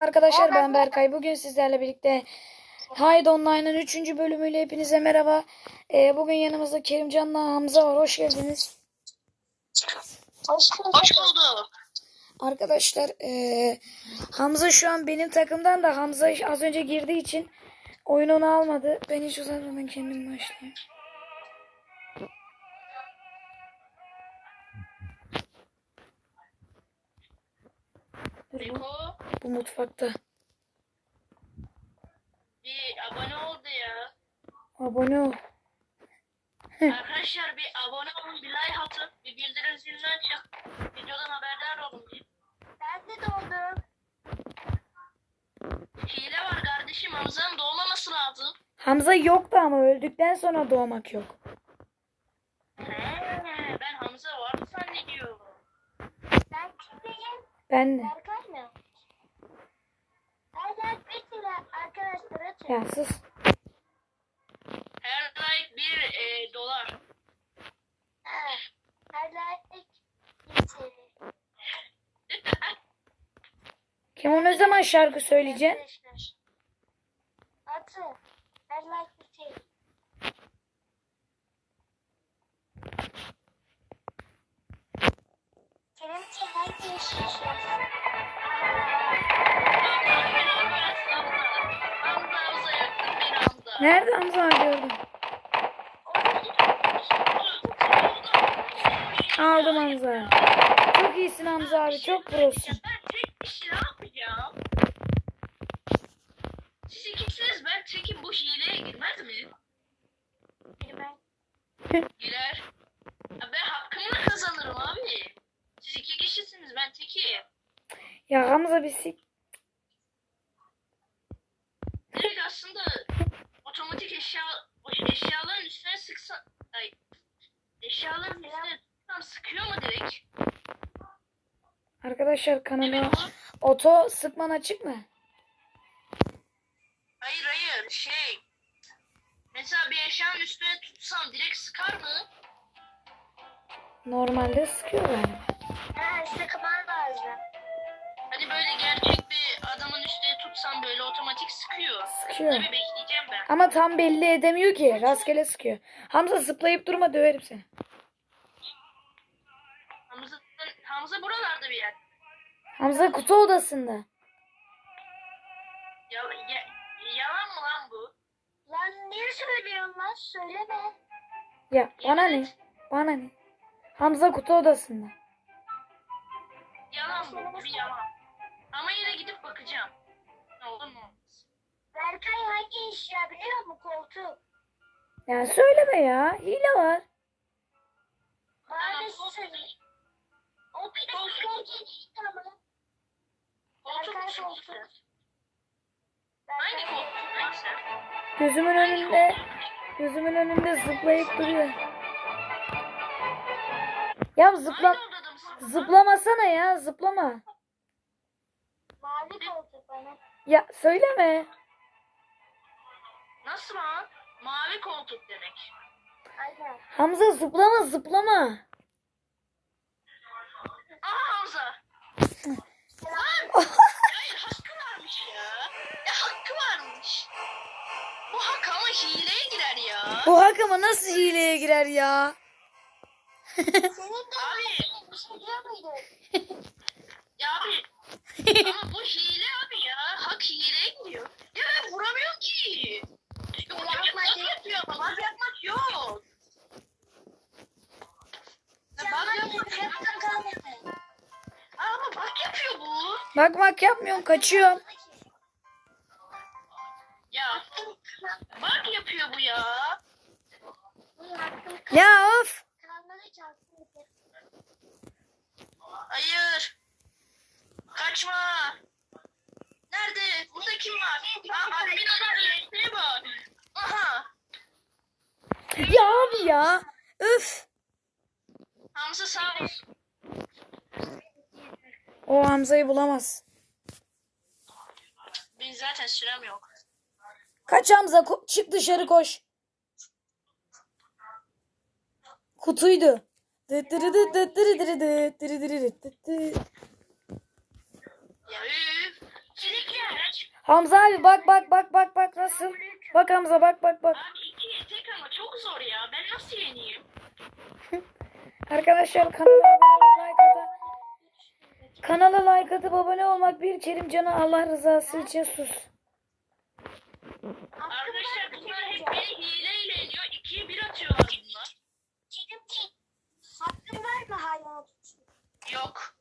Arkadaşlar ben Berkay. Bugün sizlerle birlikte Hide Online'ın 3. bölümüyle hepinize merhaba. Bugün yanımızda Kerimcan'la Hamza var. Hoş geldiniz. Hoş bulduk. Arkadaşlar Hamza şu an benim takımdan da Hamza az önce girdiği için oyun onu almadı. Ben hiç uzatmadan kendim başlayayım. Beko Bu mutfakta. bir abone oldu ya. Abone ol. Arkadaşlar bir abone olun, bir like atın, bir bildirim zilini açın. Videodan haberdar olun diye. Ben de doğdum. Hile var kardeşim, Hamza'nın doğmaması lazım. Hamza yoktu ama öldükten sonra doğmak yok. Ben Hamza var zannediyorum. Ben kimdeyim? Ben de. Berkay mı? Hala bir lira arkadaşlar atın. Ya sus. Her like bir dolar. Her like bir TL. Kim o ne zaman şarkı söyleyeceksin? Arkadaşlar. Atı. Her like bir TL. Kerimci hangi yaşıyorsun? Hamza yaktın beni Hamza. Nerede Hamza gördüm. Aldım Hamza. Çok iyisin Hamza abi. Çok prosun. Ben tek bir şey ne yapacağım? Siz ikisiniz, ben tekim, bu hileye girmez mi? Girmez. Girer. Ya ben hakkımla kazanırım abi. Siz iki kişisiniz, ben tekim. Ya Hamza bir sik. Direkt aslında otomatik eşyaların üstüne sıksan... Ay, eşyaların üstüne sıksam sıkıyor mu direkt? Arkadaşlar kanalı Evet, oto sıkman açık mı? hayır mesela bir eşyanın üstüne tutsam direkt sıkar mı? Normalde sıkıyor yani. Ha, sıkman lazım. Hani böyle gerçek bir adamın üstüne tutsam böyle otomatik sıkıyor. Sıkıyor. Tabii bekleyeceğim ben. Ama tam belli edemiyor ki. Rastgele sıkıyor. Hamza zıplayıp durma döverim seni. Hamza buralarda bir yer. Hamza kutu odasında. Yalan mı lan bu? Lan niye söylüyorsun lan? Söyleme. Ya bana ne? Bana ne? Hamza kutu odasında. Yalan bu. Bir yalan. Ama yine gidip bakacağım. Ne olur mu olmaz. Berkay hangi eşya biliyor musun? Koltuk. Ya söyleme ya. Hile var. Bana da söyleyeyim. O bir de koltuk ama. Koltuk mu? Hangi koltuk neyse? Gözümün önünde zıplayıp duruyor. Ya zıplamasana ya, zıplama. Mavi koltuk bana. Ya söyleme. Nasıl lan? Mavi koltuk demek. Aynen. Hamza zıplama. Aha Hamza. Lan! Hayır, hakkı varmış ya. Ya hakkı varmış. Bu hak ama hileye girer ya. Bu hakama nasıl hileye girer ya? Senin de abi. Biliyor muydun? Ya abi. Ama bu hile abi ya. Hak hileye gidiyor. Ya ben vuramıyorum ki. Ya bak yapıyor ama bak yapmak yok. Ya bak yapmak. Ama bak yapıyor bu. Bak yapmıyorum, kaçıyorum. Ya bak yapıyor bu ya. Ya of. Hayır. Kaçma. Nerede? Burada kim var? Admin adam ne bak. Aha. Ya abi ya. Öf. Hamza sağ olsun. O Hamza'yı bulamaz. Benim zaten sürem yok. Kaç Hamza, çık dışarı koş. Kutuydu. Ya üf. Sürekli Hamza abi bak nasıl? Bak Hamza bak. Abi iki tek ama çok zor ya. Ben nasıl yeneyim? Arkadaşlar kanala like atıp abone olmak bir Kerimcan'a Allah rızası için sus. Arkadaşlar bunlar hep beni hileyle yeniyor. 2'ye 1 atıyorlar bunlar. Hakkın var mı hala? Yok.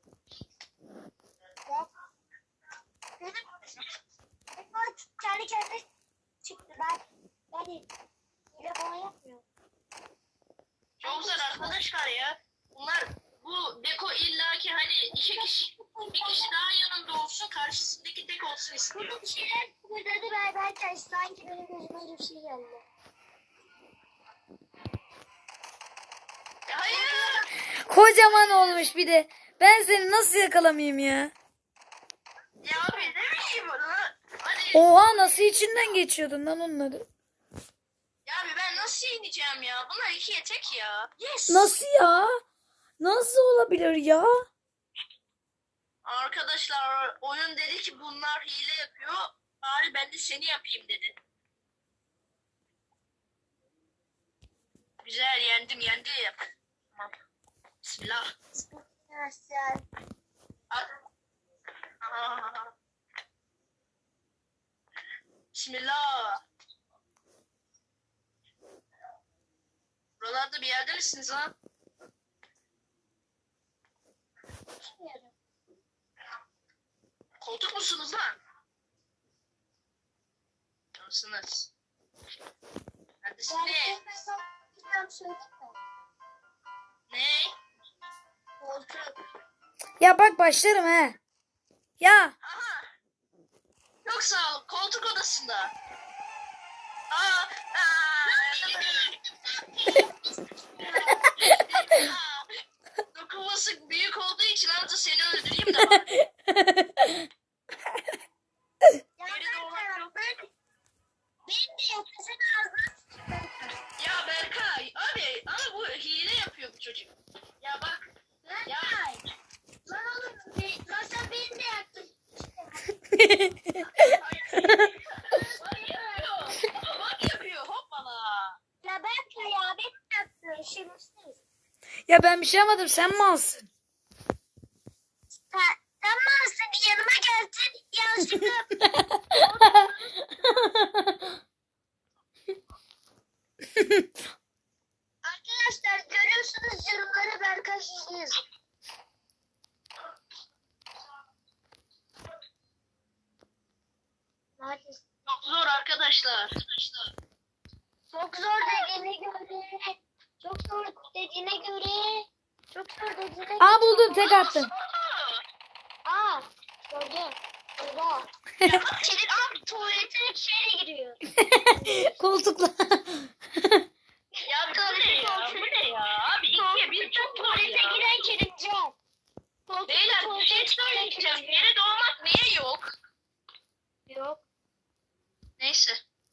Benim kendi kendine çıktı. Ben hile falan yapmıyorum. Çok zor arkadaşlar ya. Bunlar bu Beko illaki hani iki kişi bir kişi daha yanında olsun karşısındaki tek olsun istiyor. Burada bir şeyler kıpırdadı berberken sanki benim gözüme öyle bir şey geldi. Hayır. Kocaman olmuş bir de. Ben seni nasıl yakalamayayım ya? Ya abi ne bileyim bunu. Hani Oha nasıl içinden geçiyordun lan onları? ya abi ben nasıl yeneceğim ya? Bunlar 2'ye tek ya. Yes. Nasıl ya? Nasıl olabilir ya? Arkadaşlar oyun dedi ki bunlar hile yapıyor. Bari ben de seni yapayım dedi. Güzel yendim. Tamam. Bismillah. Nasıl? At. Aha. Bismillah. Buralarda bir yerde misiniz lan? Koltuk musunuz lan? Mısınız? Neredesiniz? Ne? Ya bak başlarım he. Ya Aha. Çok sağ ol. Koltuk odasında. Dokunması büyük olduğu için anca seni öldüreyim de bak. Geri doğmak yok. Benim de yapasın ağzına. Ya Berkay abi ama bu hile yapıyor bu çocuk. Ya bak. Ya. Lan oğlum, lan sen beni de yaktın. Bak yapıyor. Bak yapıyor. Hoppala. Ya ben ya beni de yaktın. Şerefsiz. ya ben bir şey yapmadım sen malsın. Sen malsın bir yanıma geldin. Yanlışlıkla. Arkadaşlar görüyorsunuz yorumları Berkay izliyor. Maalesef. Çok zor arkadaşlar. Çok zor dediğine göre. Çok zor dediğine göre. Çok zor dediğine göre. Aa buldum tek attım. Aa gördüm. Oha. Senin abi tuvaletine içeri giriyor. Koltukla. Ya bu ne ya? Bu ne ya? Abi ikiye bir çok zor Tuvalete ya. giren Kerimcan. Beyler bir şey söyleyeceğim. Yere doğmak niye yok? Yok. Neyse.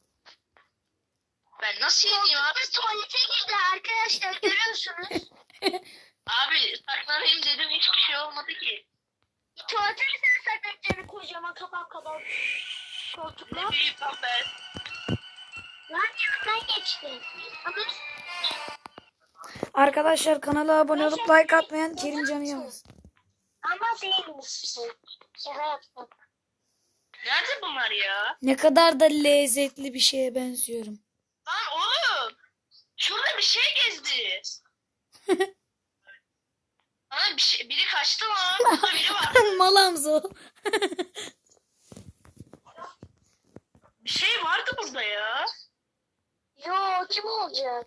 Ben nasıl yeneyim abi? Koltukta tuvalete girdi arkadaşlar görüyorsunuz. Abi saklanayım dedim hiçbir şey olmadı ki. Tuvalete mi sen saklanacağını kocaman kafam kadar koltukla? Ne büyük lan ben. Lan yanından geçti. Ama Arkadaşlar kanala abone olup like atmayan Kerimcan'ı yalnız. ama değilmiş. Şaka yaptım. Nerede bunlar ya? Ne kadar da lezzetli bir şeye benziyorum. Lan oğlum. Şurada bir şey gezdi. Lan biri kaçtı lan. Burada biri var. Mal Hamza o. Bir şey vardı burada ya. Yo kim olacak?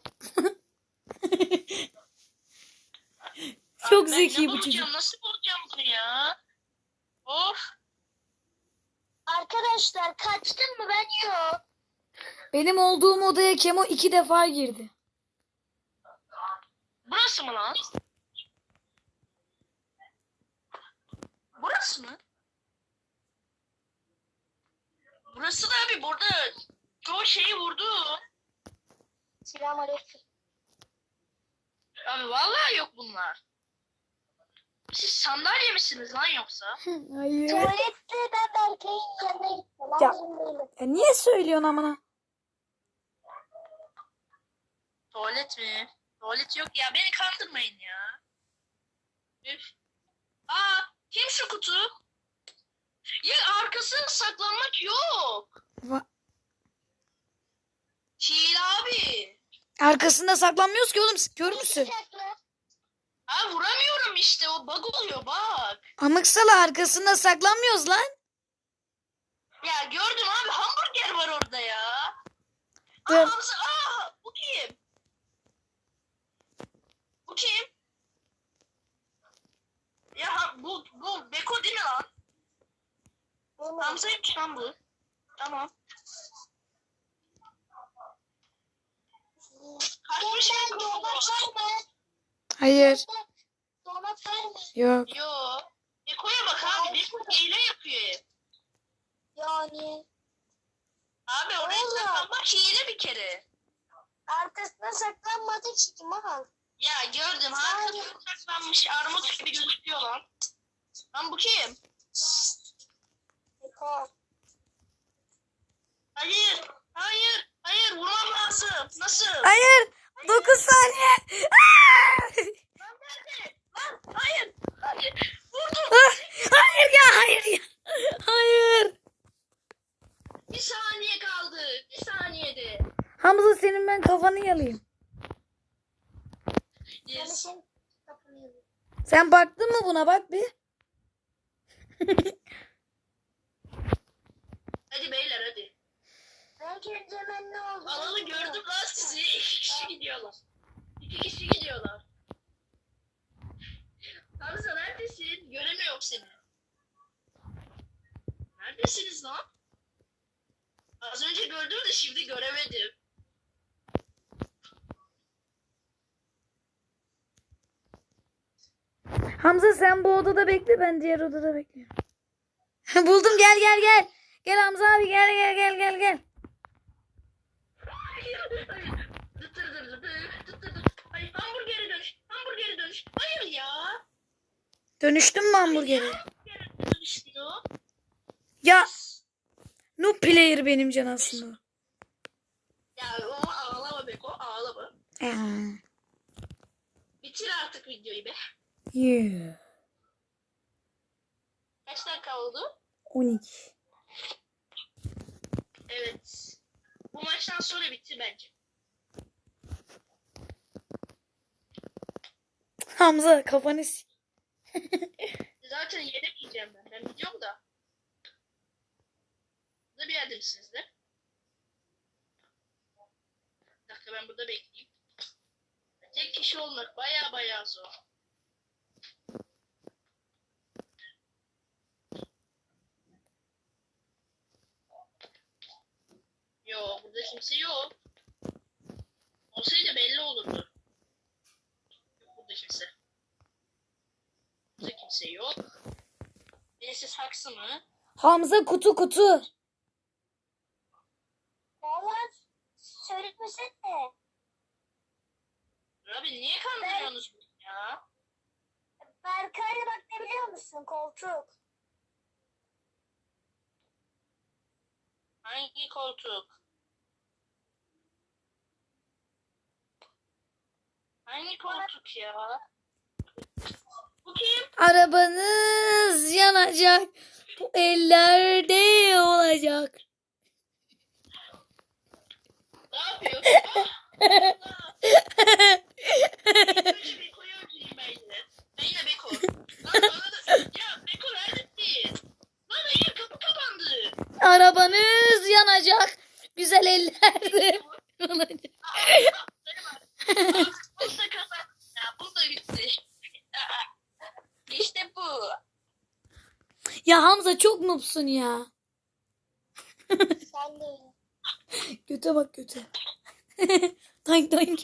Çok Ben zeki ne bu bulacağım, çocuk. nasıl bulacağım bunu ya? Of. Arkadaşlar kaçtın mı ben yok. Benim olduğum odaya Kemo 2 defa girdi. Burası mı lan? Burası mı? Burası da abi burada çoğu şeyi vurdu. Selamünaleyküm. Abi vallahi yok bunlar. Siz sandalye misiniz lan yoksa? Hayır. Tuvalette ben Berkay'ın yanına gittim. Alamazım değilim. Ya niye söylüyorsun amına? Tuvalet mi? Tuvalet yok ya. Beni kandırmayın ya. Üf. Aa, kim şu kutu? Ya arkasına saklanmak yok. Va- Hile abi. Arkasında saklanmıyoruz ki oğlum. Kör müsün? Sakla. Ha vuramıyorum işte. O bug oluyor bak. Amıksala arkasında saklanmıyoruz lan. Ya gördüm abi. Hamburger var orada ya. Aa, Dur. Hamza. Aa, bu kim? Bu kim? Ya bu Beko değil mi lan? Benim. Hamza'ymış lan bu. Tamam. Kaçmış Sen donat var mı? Hayır. Donat var mı? Yok. Yo. Beko'ya bak abi. Beko hile yapıyor hep. Yani Abi oraya Oğlum. saklanmak hile bir kere. arkasına saklanmadı ki mal. Ya gördüm. Arkasına saklanmış armut gibi gözüküyor lan. Lan bu kim? Beko. Hayır. Hayır. Hayır. Vurmam lazım. Nasıl? Hayır. 9 saniye. Lan nerede? Lan hayır. Hayır. Vurdum. Hayır ya hayır ya. Hayır. Bir saniye kaldı. Bir saniyede. Hamza senin ben kafanı yalayayım. Yani Yes. sen kapıyı. Sen baktın mı buna bak bir. Hadi beyler hadi. Ben kendimin ne oldu? Alalı gördüm lan sizi. 2 kişi gidiyorlar. 2 kişi gidiyorlar. Hamza neredesin? Göremiyorum seni. Neredesiniz lan? Az önce gördüm de şimdi göremedim. Hamza sen bu odada bekle ben diğer odada bekliyorum. Buldum gel gel gel. Gel Hamza abi gel gel gel gel gel. Hayır, hayır. Dıtır dır dır dır, dıtır dır. Hayır, hamburgeri dönüş. Hamburgeri dönüş. Hayır ya. Dönüştün mü hamburgere? Hamburgeri dönüşmüyor. Ya noob player benim can aslında. Ya o ağlama Beko ağlama. Bitir artık videoyu be. Yeah. Kaç dakika oldu? 12. Evet. Bu maçtan sonra bitti bence. Hamza kafanı Zaten yenemeyeceğim ben. Ben biliyorum da. Burada bir yerde misiniz de? Bir dakika ben burada bekleyeyim. Tek kişi olmak baya zor. Yok burada kimse yok. Olsaydı belli olurdu. Yok burada kimse. Burada kimse yok. Birisi saksı mı? Hamza kutu kutu. Valla söyletmesene. Abi niye kandırıyorsunuz beni ya? Berkay'la bak ne biliyor musun? Koltuk. Hangi koltuk? Hangi koltuk ya? Bu kim? Arabanız yanacak. Bu ellerde olacak. Ne yapıyor? Önce Beko'yu öldüreyim ben yine. Ben yine Beko. Lan bana da... Ya Beko neredesin? Lan hayır kapı kapandı. Arabanız yanacak. Güzel ellerde olacak. Bu da kapandı. Ya bu da bitti. İşte bu. Ya Hamza çok noobsun ya. Sen de öyle. Göte bak göte. Tank tank.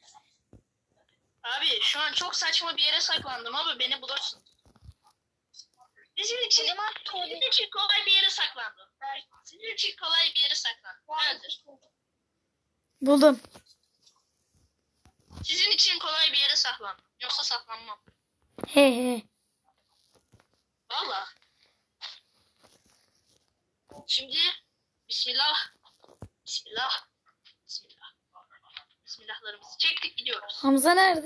Abi şu an çok saçma bir yere saklandım ama beni bulursun. Sizin için kolay bir yere saklandım. Sizin için kolay bir yere saklandım. Neredir? Buldum. Sizin için kolay bir yere saklandım. Yoksa saklanmam. He he. Valla. Şimdi bismillah. Bismillah. Bismillah. Bismillahlarımızı çektik gidiyoruz. Hamza nerede?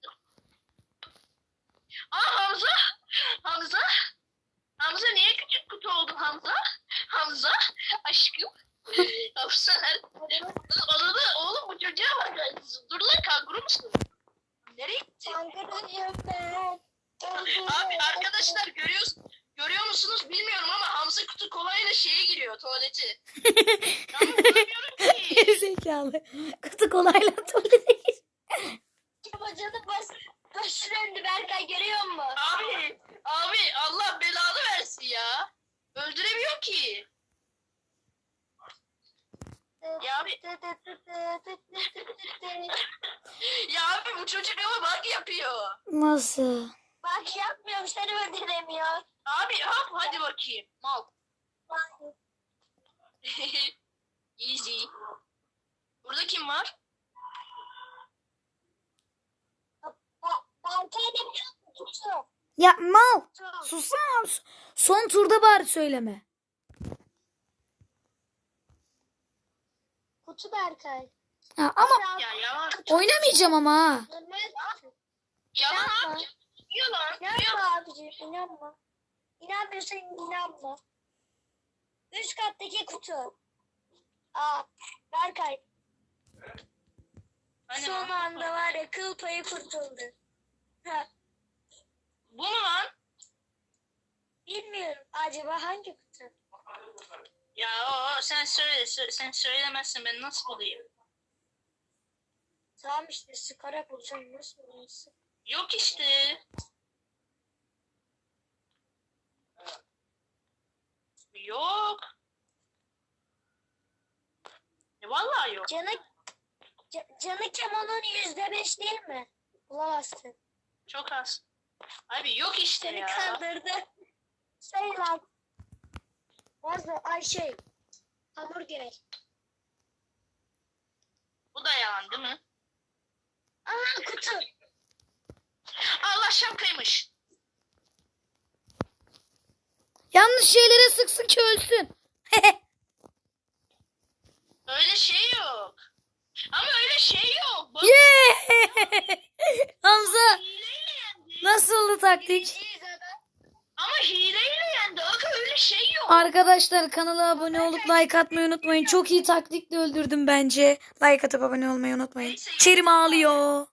Hamza. Hamza. Hamza niye küçük kutu oldun Hamza? Hamza. Aşkım. Hamza nerede? Odada oğlum bu çocuğa bak. Dur lan kanguru musun? Nereye gitti? Kankarıyım ben. Abi arkadaşlar görüyor musunuz bilmiyorum ama Hamza kutu kolayla şeye giriyor tuvaleti. Ama bulamıyorum ki. Gerizekalı. Kutu kolayla tuvalete gir. Bacanın başı döndü Berkay, görüyor musun? Abi Allah belanı versin ya. Öldüremiyor ki. Ya abi, ya abi bu çocuk ama bug yapıyor. Nasıl? Bak yapmıyorum, seni öldüremiyor. Abi hop hadi bakayım. Mal. Easy. Burada kim var? Berkay demiyor mu? Tutu. Ya mal. Tutu. Sussana. Son turda bari söyleme. Kutu Berkay. Ha, ama Ya yalan. oynamayacağım ama ha. Yalan abi. Yalan. İnanma abicim, inanma. İnanmıyorsan inanma. Üst kattaki kutu. Berkay. Hani Son anda var ya, kıl payı kurtuldu. Ha, bu mu lan? bilmiyorum. Acaba hangi kutu? Ya sen söyle. Sen söylemezsin ben nasıl bulayım? Tamam işte, sıkarak bulacağım. Nasıl buluyorsun? Yok işte. Yok. Vallahi yok. Canı Kemal'ın %5 değil mi? Bulamazsın. Çok az. Abi yok işte Seni ya. kandırdı. Şey lan. Hamburger. Bu da yalan değil mi? Kutu. Allah şapkaymış. Yanlış şeylere sıksın ki ölsün. Öyle şey yok. Ama öyle şey yok. Bak, Yeah! Hamza hileyle yendi. nasıldı taktik? Ama hileyle yendi. Aga öyle şey yok. Arkadaşlar kanala abone olup like atmayı unutmayın. Çok iyi taktikle öldürdüm bence. Like atıp abone olmayı unutmayın. Kerim ağlıyor.